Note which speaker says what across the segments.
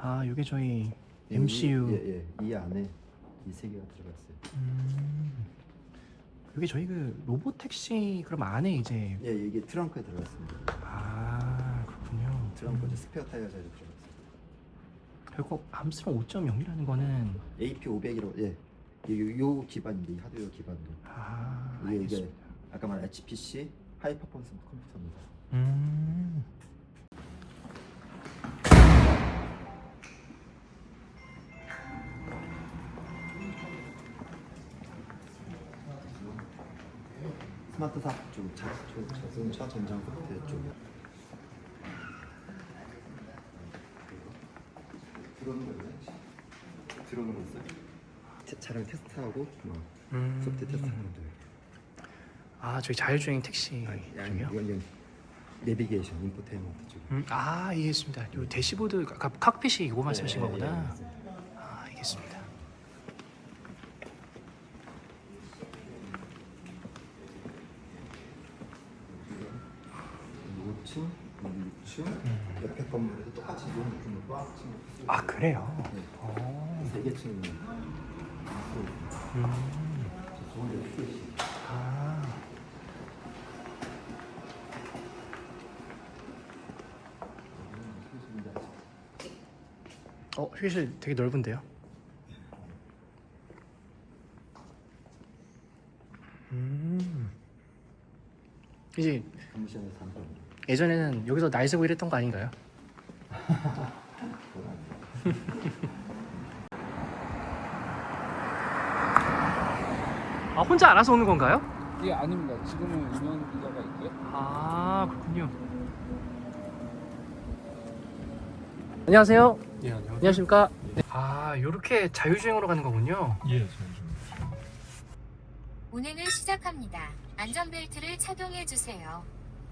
Speaker 1: 아, 이게 저희
Speaker 2: 예,
Speaker 1: MCU.
Speaker 2: 이 안에 이 세 개가 들어갔어요.
Speaker 1: 이게 저희 그 로봇 택시 그럼 안에 이제
Speaker 2: 예, 이게 트렁크에 들어갔습니다.
Speaker 1: 아, 그렇군요.
Speaker 2: 트렁크에 스페어 타이어 자리 들어갔어요.
Speaker 1: 결국 암스롱 5.0이라는 거는
Speaker 2: AP500이라고 요 기반인데 이 하드웨어 기반도 이게
Speaker 1: 알겠습니다.
Speaker 2: 아까 말한 HPC 하이 퍼포먼스 컴퓨터입니다. 스마트사 쪽 자동차 전장 컴퓨터 쪽 들어오는 거 있어요? 차량 테스트하고 뭐 소프트 테스트하는 거예요.
Speaker 1: 아, 저희 자율주행 택시 중이요?
Speaker 2: 이건 내비게이션 인포테인먼트 쪽.
Speaker 1: 아, 이해했습니다. 요 대시보드 아까 칵핏이 이거 말씀하신 거구나. 아, 알겠습니다.
Speaker 2: 층, 6층, 옆에 건물에도 똑같이 이런 느낌으로 또 한 층.
Speaker 1: 아, 그래요?
Speaker 2: 네. 3개 층이. 저쪽은 6개씩.
Speaker 1: 아, 휴게실 되게 넓은데요? 이제
Speaker 2: 사무실에서 잠깐.
Speaker 1: 예전에는 여기서 날 새고 이랬던 거 아닌가요? 아, 혼자 알아서 오는 건가요?
Speaker 3: 예, 아닙니다. 지금은 운영기자가 있고요.
Speaker 1: 아, 그렇군요. 안녕하세요.
Speaker 4: 예, 안녕하세요.
Speaker 1: 안녕하십니까? 아, 요렇게 자율주행으로 가는 거군요.
Speaker 4: 예, 자율주행.
Speaker 5: 운행을 시작합니다. 안전벨트를 착용해 주세요.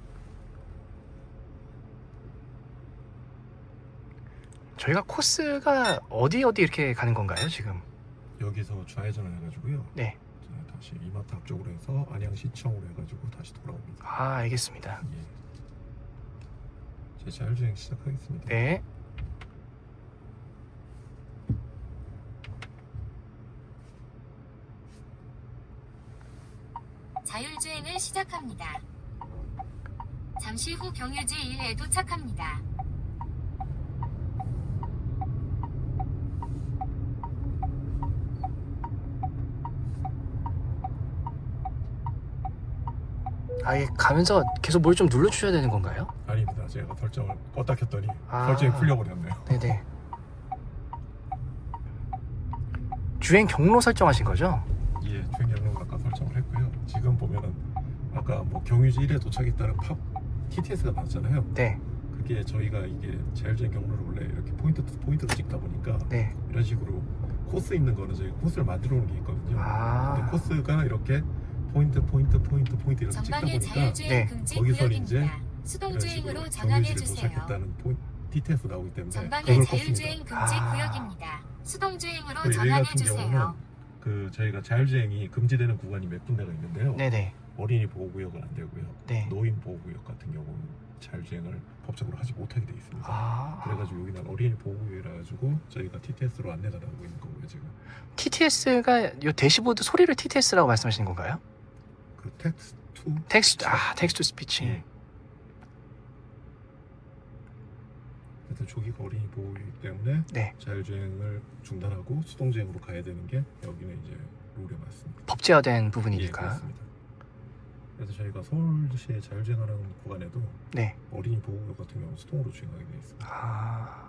Speaker 1: 저희가 코스가 어디 이렇게 가는 건가요, 지금?
Speaker 4: 여기서 좌회전을 해가지고요.
Speaker 1: 네.
Speaker 4: 자, 다시 이마트 앞쪽으로 해서 안양시청으로 해가지고 다시 돌아옵니다.
Speaker 1: 아, 알겠습니다.
Speaker 4: 예. 제 자율주행 시작하겠습니다.
Speaker 1: 네.
Speaker 5: 자율주행을 시작합니다. 잠시 후 경유지 1에 도착합니다.
Speaker 1: 아예 가면서 계속 뭘 좀 눌러주셔야 되는 건가요?
Speaker 4: 아닙니다. 제가 설정을 껐다 켰더니
Speaker 1: 아.
Speaker 4: 설정이 풀려버렸네요.
Speaker 1: 네네. 주행 경로 설정하신 거죠?
Speaker 4: 예, 주행 경로를 아까 설정을 했고요. 지금 보면은 아까 뭐 경유지 1에 도착했다는 팝 TTS가 나왔잖아요.
Speaker 1: 네.
Speaker 4: 그게 저희가 이게 자율주행 경로를 원래 이렇게 포인트로 찍다 보니까
Speaker 1: 네.
Speaker 4: 이런 식으로 코스 있는 거는 저희가 코스를 만들어 놓은 게 있거든요.
Speaker 1: 아.
Speaker 4: 근데 코스가 이렇게 포인트 이렇게 찍다
Speaker 5: 전방에
Speaker 4: 보니까
Speaker 5: 자율주행
Speaker 1: 네.
Speaker 5: 금지
Speaker 4: 거기서
Speaker 5: 구역입니다.
Speaker 4: 이제 이런
Speaker 5: 수동주행으로
Speaker 4: 식으로
Speaker 5: 전환해
Speaker 4: 경유지를
Speaker 5: 주세요.
Speaker 4: 도착했다는 TTS 나오기 때문에
Speaker 5: 전방에
Speaker 4: 그걸
Speaker 5: 자율주행
Speaker 4: 껐습니다.
Speaker 5: 금지
Speaker 1: 아.
Speaker 5: 구역입니다. 수동주행으로
Speaker 4: 그리고 여기
Speaker 5: 전환해
Speaker 4: 같은 경우는
Speaker 5: 주세요.
Speaker 4: 그 저희가 자율주행이 금지되는 구간이 몇 군데가 있는데요.
Speaker 1: 네네.
Speaker 4: 어린이 보호구역은 안 되고요.
Speaker 1: 네.
Speaker 4: 노인 보호구역 같은 경우는 자율주행을 법적으로 하지 못하게 돼 있습니다.
Speaker 1: 아.
Speaker 4: 그래가지고 여기는 어린이 보호구역이라 가지고 저희가 TTS로 안내가 나오고 있는 거고요 지금.
Speaker 1: TTS가 요 대시보드 소리를 TTS라고 말씀하시는 건가요?
Speaker 4: 그 텍스트
Speaker 1: 텍스트 스피치.
Speaker 4: 예. 하여튼 조기가 어린이 보호이기 때문에
Speaker 1: 네.
Speaker 4: 자율주행을 중단하고 수동주행으로 가야 되는 게 여기는 이제 룰에 맞습니다.
Speaker 1: 법제화된
Speaker 4: 예,
Speaker 1: 부분이니까.
Speaker 4: 그렇습니다. 그래서 저희가 서울시에 자율주행하는 구간에도
Speaker 1: 네.
Speaker 4: 어린이 보호구역 같은 경우 수동으로 주행하게 되어 있습니다.
Speaker 1: 아.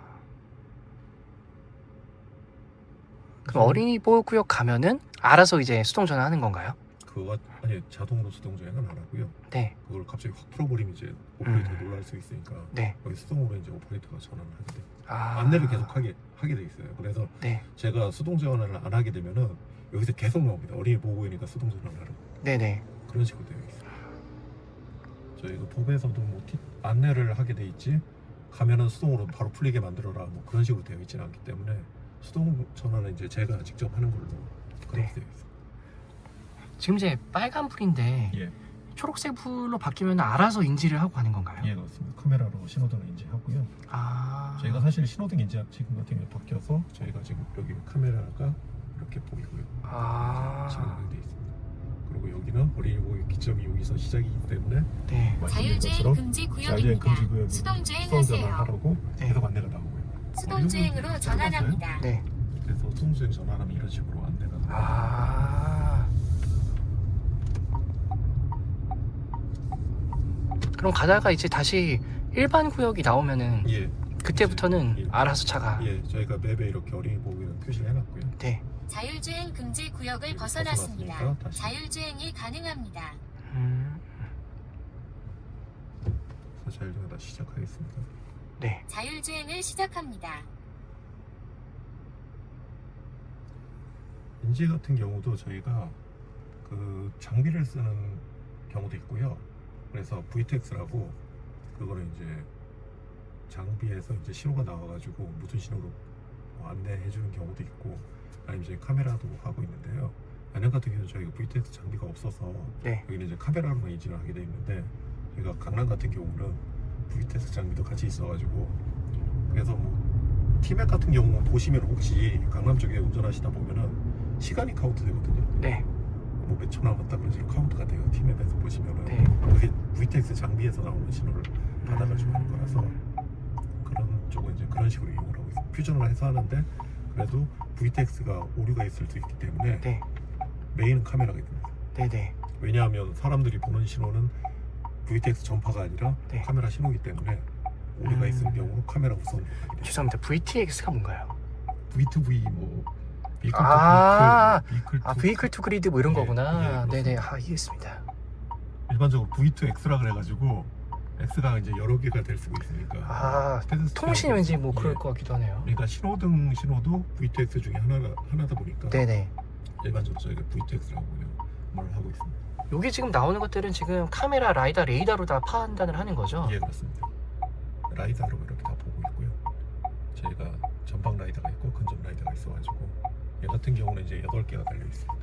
Speaker 1: 그럼 어린이 보호구역 가면은 알아서 이제 수동 전환하는 건가요?
Speaker 4: 그거 아니 자동으로 수동주행은 안 하고요.
Speaker 1: 네.
Speaker 4: 그걸 갑자기 확 풀어버리면 이제 오퍼레이터가 놀랄 수 있으니까
Speaker 1: 네.
Speaker 4: 여기 수동으로 이제 오퍼레이터가 전환을 하게 돼요.
Speaker 1: 아.
Speaker 4: 안내를 계속 하게 돼 있어요. 그래서
Speaker 1: 네.
Speaker 4: 제가 수동 전환을 안 하게 되면은 여기서 계속 나옵니다. 어린이 보호구역이니까 수동 전환을 하라고.
Speaker 1: 네네.
Speaker 4: 그런 식으로 되어 있어요. 저희가 법에서도 뭐 안내를 하게 돼 있지 가면은 수동으로 바로 풀리게 만들어라 뭐 그런 식으로 되어 있지는 않기 때문에 수동 전환은 이제 제가 직접 하는 걸로 그렇게
Speaker 1: 네.
Speaker 4: 되어 있어요.
Speaker 1: 지금 이제 빨간불인데
Speaker 4: 예.
Speaker 1: 초록색 불로 바뀌면 알아서 인지를 하고 가는 건가요?
Speaker 4: 예, 그렇습니다. 카메라로 신호등을 인지하고요.
Speaker 1: 아.
Speaker 4: 저희가 사실 신호등 인지 지금 같은 경우에 바뀌어서 저희가 지금 여기 카메라가 이렇게 보이고요.
Speaker 1: 아.
Speaker 4: 지금 되어 있습니다. 그리고 여기는 어린이 보호 기점이 여기서 시작이기 때문에
Speaker 1: 네.
Speaker 4: 말씀드린
Speaker 5: 자율주행
Speaker 4: 것처럼
Speaker 5: 금지
Speaker 4: 자율주행
Speaker 5: 구역입니다.
Speaker 4: 금지 구역이
Speaker 5: 수동주행하세요.
Speaker 4: 수동전환하라고
Speaker 1: 네.
Speaker 4: 계속 안내가 나오고요.
Speaker 5: 수동주행으로 전환합니다.
Speaker 1: 네.
Speaker 4: 그래서 수동주행 전환하면 이런 식으로 안내가 나와요.
Speaker 1: 아. 그럼 가다가 이제 다시 일반 구역이 나오면은
Speaker 4: 예,
Speaker 1: 그때부터는
Speaker 4: 예.
Speaker 1: 알아서 차가.
Speaker 4: 예, 저희가 맵에 이렇게 어린이 보호구역 표시를 해놨고요.
Speaker 1: 네.
Speaker 5: 자율주행 금지 구역을
Speaker 4: 벗어났으니까
Speaker 5: 벗어났습니다.
Speaker 4: 다시.
Speaker 5: 자율주행이 가능합니다.
Speaker 4: 그래서 자율주행 다시 시작하겠습니다.
Speaker 1: 네.
Speaker 5: 자율주행을 시작합니다.
Speaker 4: 인지 같은 경우도 저희가 그 장비를 쓰는 경우도 있고요. 그래서 VTX라고 그거는 이제 장비에서 이제 신호가 나와가지고 무슨 신호로 안내해주는 경우도 있고, 아니면 이제 카메라도 하고 있는데요. 안양 같은 경우는 저희가 VTX 장비가 없어서
Speaker 1: 네.
Speaker 4: 여기는 이제 카메라로만 인지를 하게 되어 있는데, 저희가 강남 같은 경우는 VTX 장비도 같이 있어가지고, 그래서 뭐 티맵 같은 경우는 보시면 혹시 강남 쪽에 운전하시다 보면은 시간이 카운트 되거든요.
Speaker 1: 네.
Speaker 4: 뭐 몇 초 남았다 그런 식으로 카운트가 돼요. 티맵에서 보시면은.
Speaker 1: 네.
Speaker 4: 그게 VTX 장비에서 나오는 신호를 받아가지고 하는 거라서 그런 쪽은 이제 그런 식으로 이용을 하고 있어요. 퓨전을 해서 하는데, 그래도 VTX가 오류가 있을 수 있기 때문에
Speaker 1: 네.
Speaker 4: 메인은 카메라가 됩니다.
Speaker 1: 네네.
Speaker 4: 왜냐하면 사람들이 보는 신호는 VTX 전파가 아니라
Speaker 1: 네.
Speaker 4: 카메라 신호이기 때문에 오류가 있을 경우는 카메라 우선으로 가게 됩니다.
Speaker 1: 죄송합니다. VTX가 뭔가요?
Speaker 4: V2V 뭐 비클
Speaker 1: 아,
Speaker 4: 투 비클
Speaker 1: 아, 베이클 투 그리드 뭐 이런
Speaker 4: 예,
Speaker 1: 거구나.
Speaker 4: 예,
Speaker 1: 네네. 아, 이해했습니다.
Speaker 4: 일반적으로 V2X라 그래가지고 X가 이제 여러 개가 될 수가 있으니까.
Speaker 1: 아,
Speaker 4: 페데스트리안
Speaker 1: 통신이 왠지 뭐 그럴
Speaker 4: 예.
Speaker 1: 것 같기도 하네요.
Speaker 4: 그러니까 신호등 신호도 VTX 중에 하나다 보니까
Speaker 1: 네네.
Speaker 4: 일반적으로 저희가 VTX라고 그냥 말을 하고 있습니다.
Speaker 1: 여기 지금 나오는 것들은 지금 카메라, 라이다, 레이더로 다 판단을 하는 거죠?
Speaker 4: 예, 그렇습니다. 라이다로 이렇게 다 보고 있고요. 저희가 전방 라이다가 있고 근접 라이다가 있어가지고 얘 같은 경우는 이제 8개가 달려 있습니다.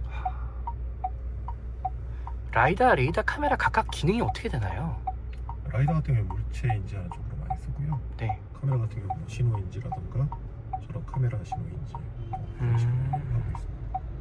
Speaker 1: 라이다, 레이더, 카메라 각각 기능이 어떻게 되나요?
Speaker 4: 라이다 같은 경우는 물체 인지하는 쪽으로 많이 쓰고요.
Speaker 1: 네.
Speaker 4: 카메라 같은 경우는 신호 인지라던가 저런 카메라 신호 인지 뭐 그런 식으로 하고 있습니다.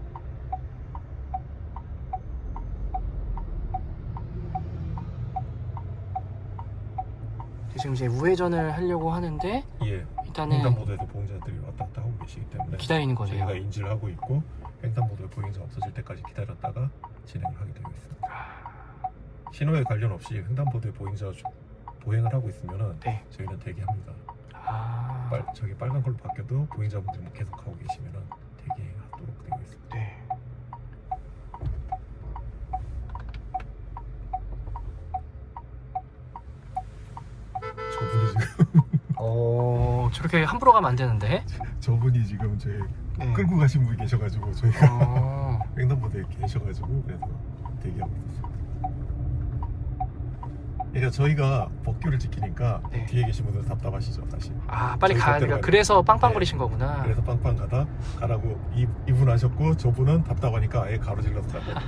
Speaker 1: 지금 이제 우회전을 하려고 하는데
Speaker 4: 예,
Speaker 1: 일단은
Speaker 4: 횡단보도에서 보행자들이 왔다 갔다 하고 계시기 때문에
Speaker 1: 기다리는 거네요.
Speaker 4: 저희가 인지를 하고 있고 횡단보도에 보행자 없어질 때까지 기다렸다가 진행을 하게 되고 있습니다. 신호에 관련 없이 횡단보도에 보행자가 보행을 하고 있으면은
Speaker 1: 네.
Speaker 4: 저희는 대기합니다.
Speaker 1: 아,
Speaker 4: 저기 빨간 걸로 바뀌어도 보행자분들이 뭐 계속 하고 계시면은 대기하도록 되어 있습니다.
Speaker 1: 네.
Speaker 4: 저분이 지금
Speaker 1: 저렇게 함부로 가면 안 되는데.
Speaker 4: 저분이 지금 저희
Speaker 1: 네.
Speaker 4: 끌고 가신 분이 계셔가지고 저희가
Speaker 1: 어,
Speaker 4: 횡단보도에 계셔가지고 그래서 대기하고 있었습니다. 그러니까 저희가 법규를 지키니까
Speaker 1: 네.
Speaker 4: 뒤에 계신 분들 답답하시죠, 사실.
Speaker 1: 아, 빨리
Speaker 4: 저희
Speaker 1: 가야
Speaker 4: 법대로
Speaker 1: 되니까
Speaker 4: 가야
Speaker 1: 그래서 빵빵
Speaker 4: 네.
Speaker 1: 거리신 거구나.
Speaker 4: 그래서 빵빵 가라고 이분 하셨고 저분은 답답하니까 아예 가로질러서 가고.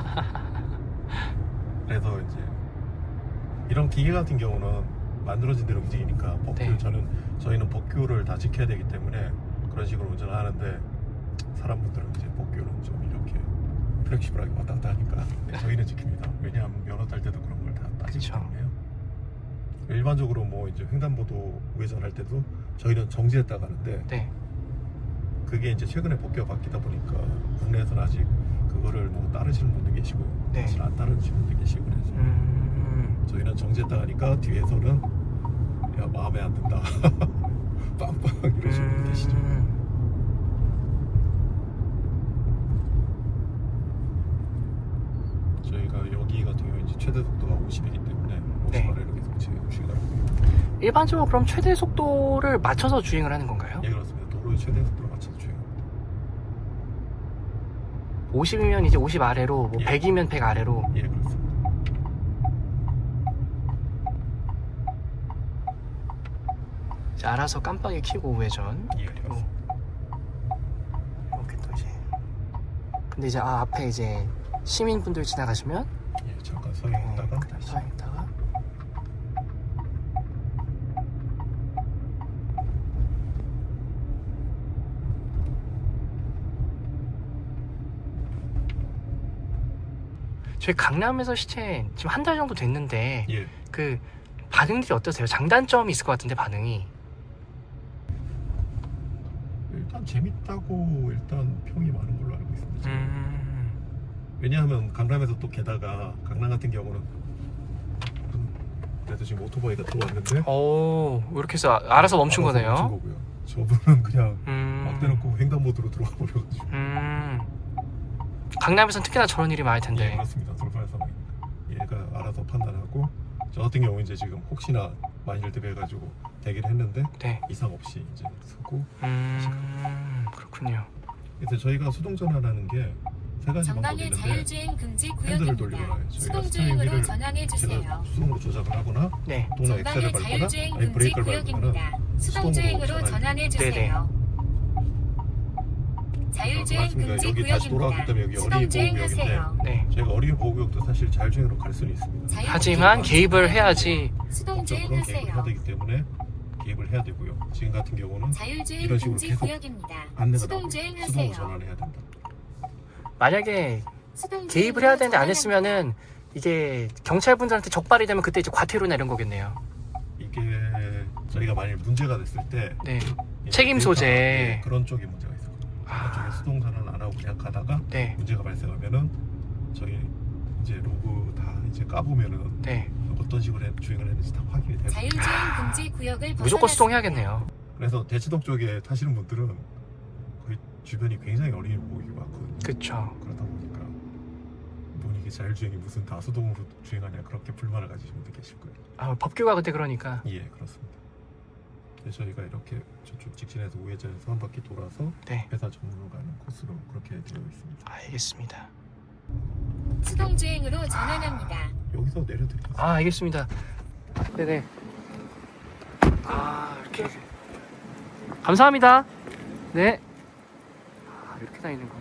Speaker 4: 그래서 이제 이런 기계 같은 경우는 만들어진 대로 움직이니까 법규
Speaker 1: 네.
Speaker 4: 저희는 법규를 다 지켜야 되기 때문에 그런 식으로 운전을 하는데, 사람분들은 이제 법규는 좀 이렇게 플렉시블하게 왔다 갔다 하니까 저희는 지킵니다. 왜냐하면 면허 딸 때도 그런 걸 다 따지기
Speaker 1: 그쵸.
Speaker 4: 때문에요. 일반적으로 뭐 이제 횡단보도 우회전할 때도 저희는 정지했다 가는데,
Speaker 1: 네.
Speaker 4: 그게 이제 최근에 법규가 바뀌다 보니까 국내에서는 아직 그거를 뭐 따르시는 분도 계시고
Speaker 1: 네.
Speaker 4: 사실 안 따르시는 분도 계시고 그래서 저희는 정지했다 가니까 뒤에서는 야 마음에 안 든다 빵빵 이러시는 분 계시죠. 저희가 여기 같은 경우에 이제 최대 속도가 50이기 때문에 50
Speaker 1: 네.
Speaker 4: 아래로 계속 주행하고
Speaker 1: 일반적으로 그럼 최대 속도를 맞춰서 주행을 하는 건가요?
Speaker 4: 예, 그렇습니다. 도로의 최대 속도로 맞춰서 주행.
Speaker 1: 50이면 이제 50 아래로, 뭐
Speaker 4: 예.
Speaker 1: 100이면 100 아래로.
Speaker 4: 예, 그렇습니다.
Speaker 1: 이제 알아서 깜빡이 켜고 우회전.
Speaker 4: 예,
Speaker 1: 그리고
Speaker 4: 그렇습니다.
Speaker 1: 이렇게 또 이제. 근데 이제 앞에 이제 시민분들 지나가시면
Speaker 4: 예, 잠깐 서 있다가
Speaker 1: 좌회전했다가 저희 강남에서 시체 지금 한 달 정도 됐는데
Speaker 4: 예.
Speaker 1: 그 반응들이 어떠세요? 장단점이 있을 것 같은데 반응이.
Speaker 4: 일단 재밌다고 일단 평이 많은 걸로 알고 있습니다. 왜냐하면 강남에서 또 게다가 강남 같은 경우는 그래서 지금 오토바이가 들어왔는데
Speaker 1: 오, 이렇게 해서 알아서 멈춘
Speaker 4: 알아서
Speaker 1: 거네요.
Speaker 4: 멈춘 거고요. 저분은 그냥 막
Speaker 1: 음,
Speaker 4: 대놓고 횡단보도로 들어와 버려가지고.
Speaker 1: 강남에서는 특히나 저런 일이 많을
Speaker 4: 예,
Speaker 1: 텐데.
Speaker 4: 그렇습니다. 돌발 상황입니다. 얘가 알아서 판단하고 저 같은 경우 이제 지금 혹시나 만일들 해가지고 대기를 했는데
Speaker 1: 네.
Speaker 4: 이상 없이 이제 서고.
Speaker 1: 그렇군요.
Speaker 4: 그래서 저희가 수동 전환하는 게 세 가지 방법이
Speaker 5: 전방에
Speaker 4: 있는데
Speaker 5: 자율주행 금지
Speaker 4: 핸들을
Speaker 5: 구역입니다.
Speaker 4: 돌리거나 저희가
Speaker 5: 수동주행으로
Speaker 4: 스티어링
Speaker 5: 전환해
Speaker 4: 제가
Speaker 5: 주세요.
Speaker 4: 수동으로 조작을 하거나
Speaker 1: 네.
Speaker 4: 또는 엑셀을
Speaker 5: 전방에
Speaker 4: 밟거나
Speaker 5: 자율주행
Speaker 4: 아니
Speaker 5: 금지
Speaker 4: 브레이크를 밟거나
Speaker 5: 구역입니다. 수동주행으로 전환해 주세요. 자율주행
Speaker 4: 맞습니다.
Speaker 5: 금지
Speaker 4: 여기 다시 돌아왔기 때문에 여기
Speaker 5: 구역입니다.
Speaker 4: 어린이
Speaker 5: 수동주행
Speaker 4: 보호구역인데
Speaker 5: 하세요.
Speaker 1: 네.
Speaker 4: 저희가 어린이 보호구역도 사실 자율주행으로 갈 수는 있습니다.
Speaker 1: 하지만 개입을 해야지.
Speaker 5: 수동주행
Speaker 4: 법적으로는 개입을 해야
Speaker 5: 하세요.
Speaker 4: 되기 때문에 개입을 해야 되고요. 지금 같은 경우는
Speaker 5: 자율주행
Speaker 4: 이런 식으로
Speaker 5: 금지
Speaker 4: 계속
Speaker 5: 구역입니다.
Speaker 4: 안내가
Speaker 5: 수동주행
Speaker 4: 나오고 수동으로
Speaker 5: 하세요.
Speaker 4: 전환해야 된다.
Speaker 1: 만약에
Speaker 5: 수동주행으로
Speaker 1: 개입을 해야 되는데 안
Speaker 5: 전환합니다.
Speaker 1: 했으면은 이게 경찰분들한테 적발이 되면 그때 이제 과태료나 이런 거겠네요.
Speaker 4: 이게 저희가 만일 문제가 됐을 때
Speaker 1: 네.
Speaker 4: 이제
Speaker 1: 책임
Speaker 4: 데이터,
Speaker 1: 소재.
Speaker 4: 네, 그런 쪽에 문제가 있어요.
Speaker 1: 아.
Speaker 4: 그쪽에 수동 전환 안 하고 그냥 가다가
Speaker 1: 네.
Speaker 4: 문제가 발생하면은 저희 이제 로그 다 이제 까보면은
Speaker 1: 네.
Speaker 4: 어떤 식으로 주행을 했는지 다 확인이 돼요.
Speaker 5: 자율주행 금지 구역을
Speaker 1: 무조건
Speaker 5: 벗어났습니다.
Speaker 1: 수동해야겠네요.
Speaker 4: 그래서 대치동 쪽에 타시는 분들은 거의 주변이 굉장히 어린이 보호구역이 많거든요.
Speaker 1: 그쵸.
Speaker 4: 그러다 보니까 뭔 이게 자율주행이 무슨 다 수동으로 주행하냐 그렇게 불만을 가지신 분들 계실 거예요.
Speaker 1: 아, 법규가 그때 그러니까.
Speaker 4: 예, 그렇습니다. 그래서 저희가 이렇게 저쪽 직진해서 우회전해서 한 바퀴 돌아서
Speaker 1: 네.
Speaker 4: 회사 정문으로 가는 코스로 그렇게 되어 있습니다.
Speaker 1: 알겠습니다.
Speaker 5: 수동주행으로 전환합니다.
Speaker 4: 여기서 내려드릴게요.
Speaker 1: 아, 알겠습니다. 네네. 아, 이렇게. 감사합니다. 네. 아, 이렇게 다니는 거.